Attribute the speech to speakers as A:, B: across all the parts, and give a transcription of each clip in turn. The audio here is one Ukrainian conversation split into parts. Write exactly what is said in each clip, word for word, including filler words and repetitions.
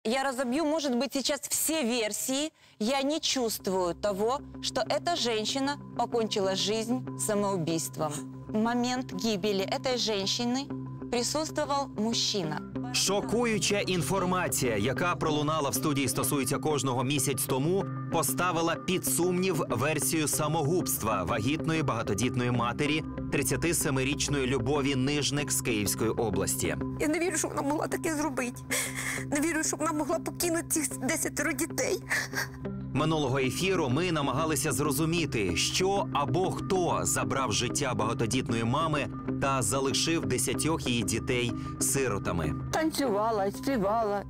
A: Я разобью, может быть, сейчас все версии. Я не чувствую того, что эта женщина покончила жизнь самоубийством. В момент гибели этой женщины присутствовал мужчина.
B: Шокуюча інформація, яка пролунала в студії «Стосується кожного» місяць тому, поставила під сумнів версію самогубства вагітної багатодітної матері тридцятисемирічної Любові Нижник з Київської області.
C: Я не вірю, що вона могла таке зробити. Не вірю, що вона могла покинути цих десятеро дітей.
B: Минулого ефіру ми намагалися зрозуміти, що або хто забрав життя багатодітної мами та залишив десятьох її дітей сиротами.
D: Танцювала, співала.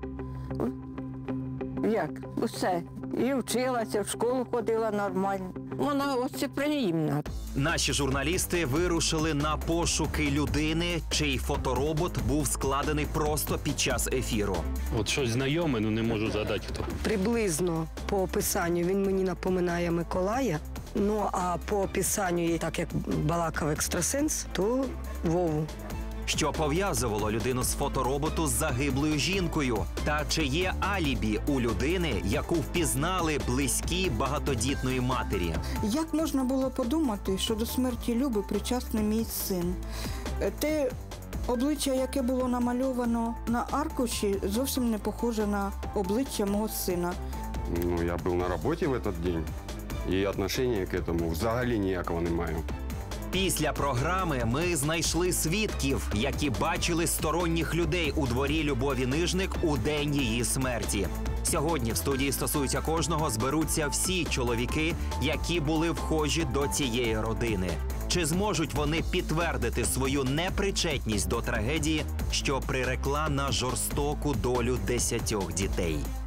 D: Як? Усе. І вчилася, в школу ходила нормально. Вона гостеприємна.
B: Наші журналісти вирушили на пошуки людини, чий фоторобот був складений просто під час ефіру.
E: От щось знайоме, ну не можу згадати хто.
F: Приблизно по описанню він мені напоминає Миколая. Ну, а по описанню, так як балакав екстрасенс, то Вову.
B: Що пов'язувало людину з фотороботу з загиблою жінкою? Та чи є алібі у людини, яку впізнали близькі багатодітної матері?
G: Як можна було подумати, що до смерті Люби причасний мій син? Те обличчя, яке було намальовано на аркуші, зовсім не похоже на обличчя мого сина.
H: Ну, я був на роботі в цей день, і відношення к цьому взагалі ніякого не маю.
B: Після програми ми знайшли свідків, які бачили сторонніх людей у дворі Любові Нижник у день її смерті. Сьогодні в студії «Стосується кожного» зберуться всі чоловіки, які були вхожі до цієї родини. Чи зможуть вони підтвердити свою непричетність до трагедії, що прирекла на жорстоку долю десятьох дітей?